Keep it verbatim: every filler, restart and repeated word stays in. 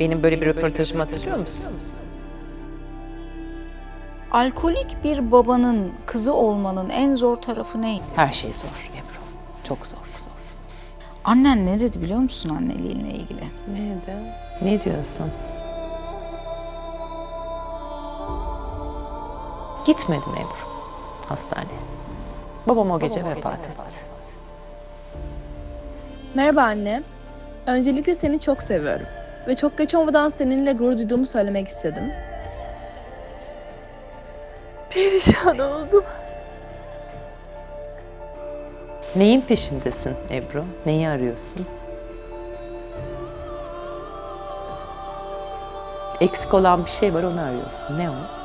Benim böyle bir röportajımı hatırlıyor musun? Alkolik bir babanın kızı olmanın en zor tarafı ne? Her şey zor Ebru. Çok zor, zor. Annen ne dedi biliyor musun anneliğinle ilgili? Neydi? Ne diyorsun? Gitmedim Ebru hastaneye. Babam o gece vefat etti. Merhaba anne. Öncelikle seni çok seviyorum. Ve çok geç olmadan seninle gurur duyduğumu söylemek istedim. Perişan oldum. Neyin peşindesin Ebru? Neyi arıyorsun? Eksik olan bir şey var, onu arıyorsun. Ne o?